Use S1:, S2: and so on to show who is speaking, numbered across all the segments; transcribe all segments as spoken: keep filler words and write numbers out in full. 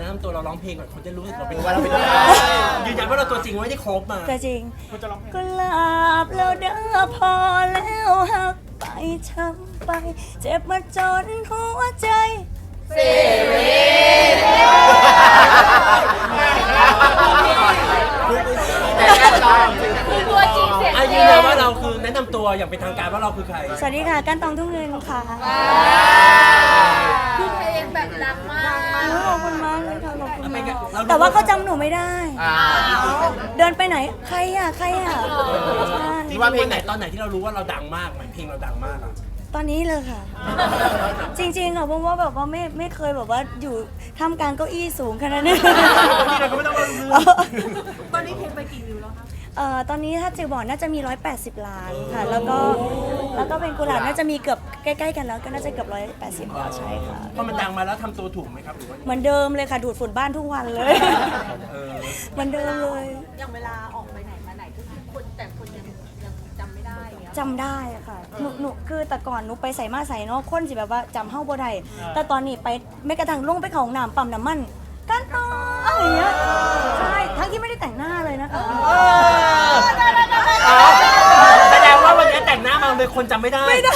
S1: นำตัวเราร้องเพลงก่อนคนจะรู้สึกเราเป็น
S2: ว่าเราเป็น
S1: ยืนยันว่าเราตัวจริงไม่ได้โคบมา
S3: ตัวจริงกุหลาบแล้วเด้อพอแล้วหักไปช้ำไปเจ็บมาจนหัวใจสิริ
S4: คือตัวจริงเสียง
S1: อา
S4: จ
S1: ยื
S4: ริ
S1: น
S4: ง
S1: ยันว่าเราคือแนะนำตัวอย่างเป็นทางการว่าเราคือใคร
S3: สวัสดีค่ะก้านตองทุ่งเงินค่ะ
S4: คือเพลงแบบดังมาก
S3: ขอบคุณมากเลยค่ะขอบคุณมาก
S1: เรารู้
S3: แต่ว่าเขาจำหนูไม่ได้
S2: อ่า
S3: เดินไปไหนใครอ่ะใครอ่ะใช่
S1: ที่ว่าเพลงไหนตอนไหนที่เรารู้ว่าเราดังมากไหมเพลงเราดังมากอะ
S3: ตอนนี้เลยค่ะ จริงๆอ่ะเพราะว่าแบบว่าไม่ไม่เคยแบบว่าอยู่ท่ามกลางเก้าอี้สูงขนาดนี้
S1: นี่เราก็ไม่ต้องมาลืม
S4: ตอนนี้เพลงไปกี่วิวแล้วคะ
S3: เอ่อตอนนี้ถ้าจือบอกน่าจะมีหนึ่งร้อยแปดสิบล้านค่ะ แล้วก็แล้วก็เป็นกุหลาบน่าจะมีเกือบใกล้ๆกันแล้วก็น่าจะเกือบหนึ่งร้อยแปดสิบแล้วใช่ค่ะ
S1: พอมันดังมาแล้วทำตัวถูกไหมครับหรือว่า
S3: เหมือนเดิมเลยค่ะดูดฝุ่นบ้านทุกวันเลย
S1: เออ
S3: เหมือนเดิมเลย
S4: อย่างเวลาออกไปไหนมาไหนก็คือคนแต่คนยังยังจำไม่ได้อย่างเงี้ย
S3: จำได้อะค่ะหนูหนูคือแต่ก่อนหนูไปใส่มาใส่เนาะคนสิแบบว่าจำเฮ้าบ่ได้แต่ตอนนี้ไปไม่กระทั่งลงไปเขาห้องน้ำปั๊มน้ำมันกันต่ออย่างเงี้ยใช่ทั้งที่ไม่ได้แต่งหน้าเลยนะคะ
S1: อ๋อแสดงว่าวันนี้แต่งหน้ามาเลยคนจำไม่ได้
S3: ไม่ได้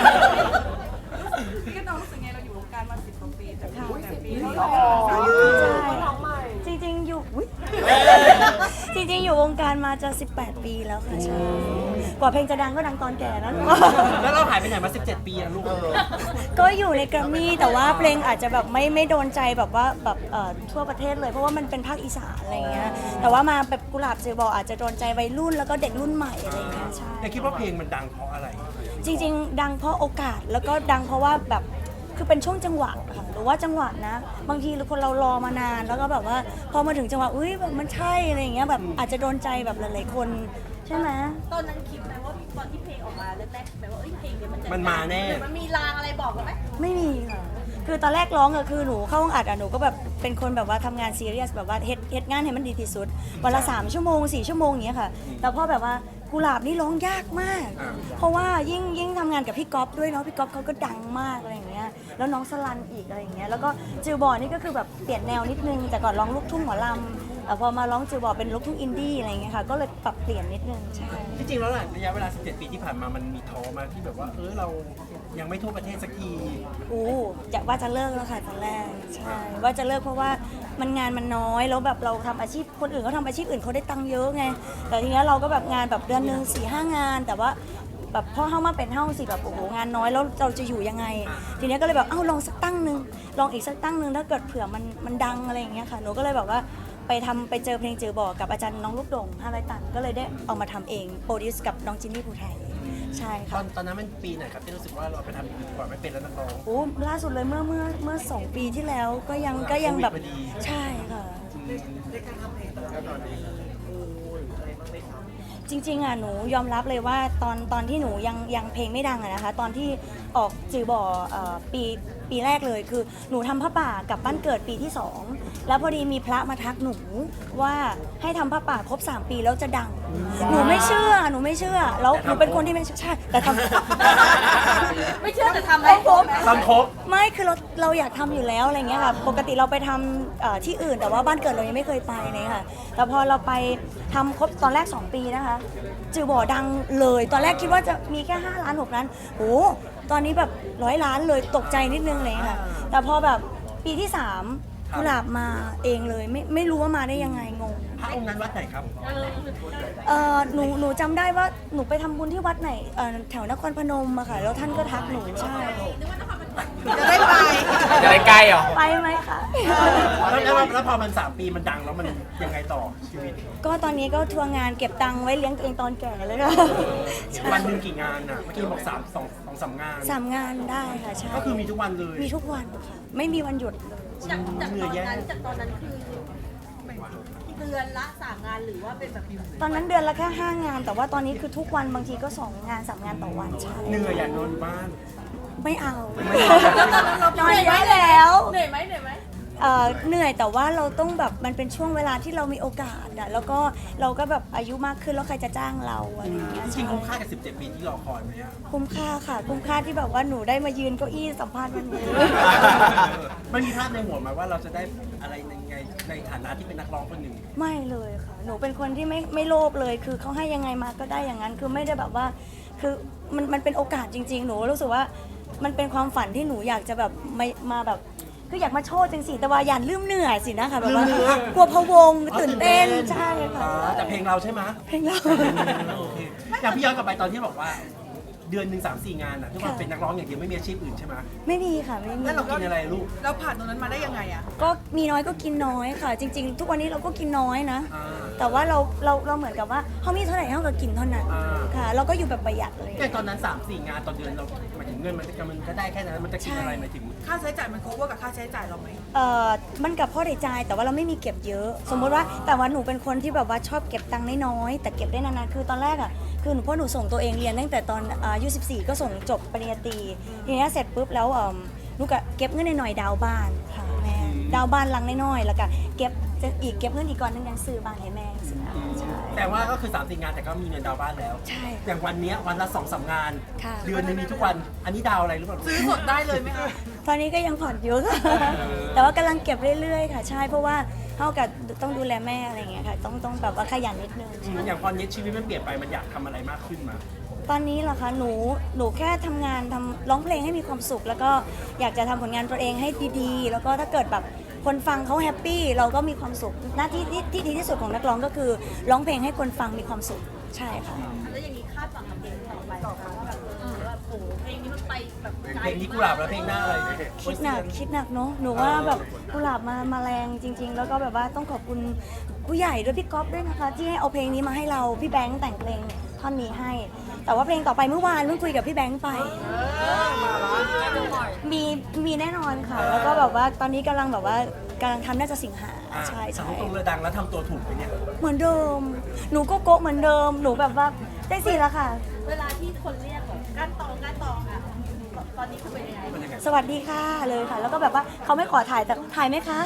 S5: พี่ก็น้องรู้สึกไงเราอยู่วงการมาสิบกว่าปีแต่พี่แต่ปี
S3: ใช่จริงๆอยู่อุ๊ยจริงๆอยู่วงการมาจะสิบแปดปีแล้วค่ะใช่กว่าเพลงจะดังก็ดังตอนแก่แล้ว
S1: แล้วเราหายไปไหนมาสิบเจ็ดปีอะลูก
S3: ก็อยู่ในแกรมมี่แต่ว่าเพลงอาจจะแบบไม่ไม่โดนใจแบบว่าแบบเอ่อทั่วประเทศเลยเพราะว่ามันเป็นภาคอีสานอะไรเงี้ยแต่ว่ามาแบบกุหลาบเจอบอกอาจจะโดนใจวัยรุ่นแล้วก็เด็กรุ่นใหม่อะไรเงี้ยใช่
S1: แต่คิดว่าเพลงมันดังเพราะอะไร
S3: จริงๆ ดังเพราะโอกาสแล้วก็ดังเพราะว่าแบบคือเป็นช่วงจังหวะค่ะหรือว่าจังหวะนะ บางทีคนเรารอมานานแล้วก็แบบว่าพอมาถึงจังหวะอุ้ยแบบมันใช่อะไรอย่างเงี้ยแบบอาจจะโดนใจแบบหลายๆคนใช่ไหม
S4: ตอนนั้นคิดไหมว่าตอนที่เพลงออกมาแรกๆแบบว่าเอ้ยเพลงเนี้ยมันจะ
S1: มันมาแน่
S4: หรือมันมีลางอะไรบอกเราไหม
S3: ไม่มีค่ะคือตอนแรกร้องอะคือหนูเข้าห้องอัดอะหนูก็แบบเป็นคนแบบว่าทำงานซีเรียสแบบว่าเฮ็ดเฮ็ดงานให้มันดีที่สุดวันละสามชั่วโมงสี่ชั่วโมงอย่างเงี้ยค่ะแต่พอแบบว่ากุหลาบนี่ร้องยากมาก เพราะว่ายิ่งยิ่งทำงานกับพี่ก๊อฟด้วยเนาะพี่ก๊อฟเขาก็ดังมากอะไรอย่างเงี้ยแล้วน้องสลันอีกอะไรอย่างเงี้ยแล้วก็จิวบอร์นี่ก็คือแบบเปลี่ยนแนวนิดนึงแต่ก่อนร้องลูกทุ่งหมอลำแต่พอมาร้องจิวบอร์เป็นลูกทุ่งอินดี้อะไรอย่างเงี้ยค่ะก็เลยปรับเปลี่ยนนิดนึงใช่
S1: ที่จริงแล้วน่ะระยะเวลาสิบเจ็ดปีที่ผ่านมามันมีท้อมาที่แบบว่าเออเรายังไม่ทั่วประเทศสักที
S3: อู้จะว่าจะเลิกแล้วค่ะตอนแรกใช่ว่าจะเลิกเพราะว่ามันงานมันน้อยแล้วแบบเราทำอาชีพคนอื่นเขาทำอาชีพอื่นเขาได้ตังค์เยอะไงแต่ทีเนี้ยเราก็แบบงานแบบเดือนหนึ่งสี่ห้างาน แต่ว่าแบบพอเข้ามาเป็นเฮ้าสิแบบโอ้โหงานน้อยแล้วเราจะอยู่ยังไง ทีเนี้ยก็เลยแบบเอ้าลองสักตั้งหนึ่งลองอีกสักตั้งหนึ่งถ้าเกิดเผื่อมันมันดังอะไรอย่างเงี้ยค่ะหนูก็เลยแบบว่าไปทำไปเจอเพลงเจอบอกกับอาจารย์น้องลูกดงห้าร้อยตันก็เลยได้เอามาทำเองโปรดิวส์กับน้องจินนี่ภูไทยใช่
S1: ตอ
S3: ค่ะ
S1: นตอนนั้นมันปีไหนครับที่รู้สึกว่าเราไปทำดีกว่าไม่เป็นแล้วนักร้อง
S3: โอ้ล่าสุดเลยเมื่อเมื่อเมื่อสองปีที่แล้วก็ยังก็ยังแบบ
S1: โควิดพอดี
S3: ใช่ค่ะจริงๆอ่ะหนูยอมรับเลยว่าตอนตอนที่หนูยังยังเพลงไม่ดังอะนะคะตอนที่ออกจือบ่อเอ่อปีปีแรกเลยคือหนูทำผ้าป่ากลับบ้านเกิดปีที่สองแล้วพอดีมีพระมาทักหนูว่าให้ทำผ้าป่าครบสามปีแล้วจะดัง หนูไม่เชื่อหนูไม่เชื่อแล้วหนูเป็นคนที่ไม่เชื่อใช่แต่ทำ
S4: ไม่เชื่อแต่ทำได้ครบ
S1: ตอนครบ
S3: ไม่คือเราเราอยากทำอยู่แล้วอะไรเงี้ยค่ะปกติเราไปทำเอ่อที่อื่นแต่ว่าบ้านเกิดเรายังไม่เคยไปเลยค่ะแต่พอเราไปทำครบตอนแรกสองปีนะคะจือบ่อดังเลยตอนแรกคิดว่าจะมีแค่ห้าล้านหกล้านโอ้ตอนนี้แบบร้อยล้านเลยตกใจนิดนึงเลยค่ะแต่พอแบบปีที่สามกุหลาบมาเองเลยไม่ไม่รู้ว่ามาได้ยังไงงง
S1: พระองค์นั้นวัดไหนครับ
S3: เออหนูหนูจำได้ว่าหนูไปทำบุญที่วัดไหนเอ่อแถวนครพนมอะค่ะแล้วท่านก็ทักหนูใช่
S5: จะได้ไป
S2: จะได้ใกล้เหรอ
S3: ไปไหมคะ
S1: แล้วแล้วแล้วพอมันสามปีมันดังแล้วมันยังไงต่อชีวิต
S3: ก็ตอนนี้ก็ทัวร์งานเก็บตังค์ไว้เลี้ยงตัวเองตอนแก่เลยค่ะใช่
S1: วันหนึ่งกี่งานอ่ะเมื่อกี้บอกสามสองสองสามงาน
S3: สามงานได้ค่ะใช่
S1: ก็คือมีทุกวันเลย
S3: มีทุกวันค่ะ ไม่มีวันหยุดเลย
S4: จากจากตอนนั้นจากตอนนั้นคือเดือนละสามงานหรือว่าเป็นแบบ
S3: ตอนนั้นเดือนละแค่ห้างาน แต่ว่าตอนนี้คือทุกวันบางทีก็สองงานสามงานต่อวันใช่
S1: เหนื่อยอยากนอนอยู่บ้าน
S3: ไม่เอา
S4: เรา
S3: นอนได้แล้ว
S4: เหนื่อยไหมเหนื่อยไหม
S3: เอ่อเหนื่อยแต่ว่าเราต้องแบบมันเป็นช่วงเวลาที่เรามีโอกาสอะแล้วก็เราก็แบบอายุมากขึ้นแล้วใครจะจ้างเราอะไรอย่างเงี้ย
S1: จริงๆคุ้มค่ากับสิบเจ็ดปีที่รอคอยไหมอะ
S3: คุ้มค่าค่ะคุ้มค่าที่แบบว่าหนูได้มายืนเก้าอี้สัมภาษณ์วันนี้
S1: มันมีภาพในหัวไหมาว่าเราจะได้อะไรในไงในฐานะที่เป็นนักร้องคนหนึ่ง
S3: ไม่เลยค่ะ หนูเป็นคนที่ไม่ไม่โลภเลย คือเขาให้ยังไงมาก็ได้อย่างนั้น คือไม่ได้แบบว่า คือมันมันเป็นโอกาสจริง ๆ หนูรู้สึกว่ามันเป็นความฝันที่หนูอยากจะแบบไม่มาแบบ คืออยากมาโชว์จริงสิแต่ว่าอย่าลืมเหนื่อยสินะคะแบบว่า
S1: ลืมเหนื่อย
S3: กลัวพะวงตื่นเต้นใช่ค่ะ
S1: อ๋อแต่เพลงเราใช่ไหม
S3: เพลงเรา
S1: โอเคอย่างพี่ย้อนกลับไปตอนที่บอกว่า เดือนหนึ่งสามสี่งานอ่ะที่ว่า
S3: ค่ะ
S1: เป็นนักร้องอย่างเดียวไม่มีอาชีพอื่นใช่ไหม
S3: ไม่มีค่ะไม่มี
S1: แล้วเรากินอะไรลูก
S5: เราผ่านตรงนั้นมาได้ยังไงอะ
S3: ก็มีน้อยก็กินน้อยค่ะ จริง ๆ ทุกวันนี้เราก็กินน้อยนะ
S1: อ่า
S3: แต่ว่าเราเราเราเหมือนกับว่าเขามีเท่าไหร่เขาก็กินเท่านั้น
S1: อ่า
S3: ค่ะ เราก็อยู่แบบประหยัดเลย
S1: แต่ตอนนั้นสามสี่งานต่อเดือนเราหมายถึงเงินมันจะมันก็ได้แค่นั้นมันจะกินอะไรหมายถึง
S5: ค่าใช้จ่ายมัน cover กับค่าใช้จ่ายเราไหม
S3: เอ่อมันกับพ่อได้ใจายแต่ว่าเราไม่มีเก็บเยอะ สมมติว่าแต่ว่าหนูเป็นคนที่แบบว่าชอบเก็บตังค์น้อยๆแต่เก็บได้นานๆคือตอนแรกอ่ะคือหนูพ่อหนูส่งตัวเองเรียนตั้งแต่ตอนอายุสิบสี่ก็ส่งจบปริญญาตรีทีนี้เสร็จปุ๊บแล้วเอิ่มหนูก็เก็บเงินหน่อยๆดาวน์บ้านค่ะแม่ดาวน์บ้านหลังน้อยๆแล้วก็เก็บจะอีกเก็บเงินอีกก้อนหนึงยังซื้อบ้านให้แม่สินะใช่
S1: แต่ว่าก็คือสามสี่งานแต่ก็มีเงินดาวน์บ้านแล้ว
S3: ใช่
S1: อย่างวันเนี้ยวันละสองสามงาน
S3: ค่ะ
S1: เดือนหนึงมีทุกวัน อันนี้ดาวอะไรหรือเปล่า
S5: ซื้อสดได้เลยไหมคะ
S3: ตอนนี้ก็ยังผ่อนอยู่ค่ะ แต่ว่ากำลังเก็บเรื่อยๆค่ะ ใช่เพราะว่าเท่ากับต้องดูแลแม่อะไรอย่างเงี้ยค่ะต้องต้องแบบว่าขยันนิดนึง
S1: อืมอย่างตอนนี้ชีวิตมันเปลี่ยนไปมันอยากทำอะไรมากขึ้นมา
S3: ตอนนี้เหรอคะหนูหนูแค่ทำงานทำร้องเพลงให้มีความสุข แล้วก็อยากจะทำผลงานตัวเองให้ดีๆ แล้วก็ถ้าเกิดแบบคนฟังเขาแฮปปี้เราก็มีความสุขหน้าที่ที่ที่ดีที่สุดของนักร้องก็คือร้องเพลงให้คนฟังมีความสุขใช่ค่ะ
S4: แล้วอย่างนี้คาดหวังกับเพลงต่อไปนะคะว่าแบบเออแบบโอ้โหเพลงนี้มันไปแบบไกล
S1: เพลงนี้กุหลาบแล้วเพลงหน้าอะไร
S3: คิดหนักคิดหนักเนาะหนูว่าแบบกุหลาบมามาแรงจริง ๆ แล้วก็แบบว่าต้องขอบคุณผู้ใหญ่ด้วยพี่ก๊อฟด้วยนะคะ ที่ให้เอาเพลงนี้มาให้เราพี่แบงค์แต่งเพลงท่อนนี้ให้ แต่ว่าเพลงต่อไปเมื่อวานเพิ่งคุยกับพี่แบงค์ไปมีมีแน่นอนค่ะ แล้วก็แบบว่าตอนนี้กำลังแบบว่ากำลังทำน่าจะสิงหา
S1: อ่ะ
S3: ใช่
S1: สา
S3: ใช่
S1: มตรงเรือดังแล้วทำตัวถูกไปเนี่ย
S3: เหมือนเดิม หนูก็โกะเหมือนเดิมหนูแบบว่าได้สิแล้วค่ะ
S4: เวลาที่คนเรียกแบบก้านตองก้านตองอะตอนนี้คือเป็นยังไง
S1: มันยังไง
S3: สวัสดีค่ะเลยค่ะ แล้วก็แบบว่าเขาไม่ขอถ่ายแต่ถ่ายไหมคะ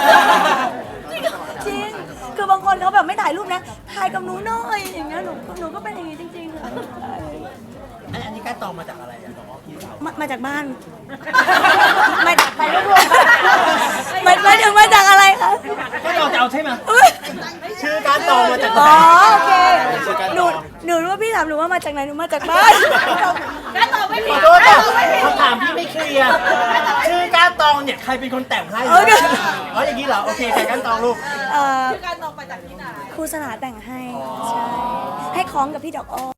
S3: จริง คือบางคนเขาแบบไม่ถ่ายรูปนะ ถ่ายกับหนูหน่อยอย่างเงี้ยหนูหนูก็เป็นอย่างงี้จริงๆค่ะ
S1: อันอันนี้การตองมาจากอะไรอ่ะน้องพี่สาว
S3: มามาจากบ้าน มาจากไปรวมๆมันมาถึงมาจากอะไรคะ
S1: ก็เราจะเอาใช่ไหม
S3: อุ๊ย
S1: ชื่อการตองมาจากไหน
S3: อ๋อโอเคหนูหนูรู้ว่าพี่ถามหนูว่ามาจากไหนหนูมาจากบ้าน
S4: ก้านตองไม่
S1: ข
S4: ผิ
S1: อ
S4: ด
S1: โทษค่ะคำถามพี่ไม่เคลียร์ชื่อการตองเนี่ยใครเป็นคนแต่งให้
S3: เออ
S1: อ๋ออย่างนี้เหรอโอเคใครการตองลูก
S3: เอ่อ
S4: คือก้านตองมาจากที่ไหน
S3: ครูสลาแต่งให้ใช่ให้คล้องกับพี่ดอกอ้อ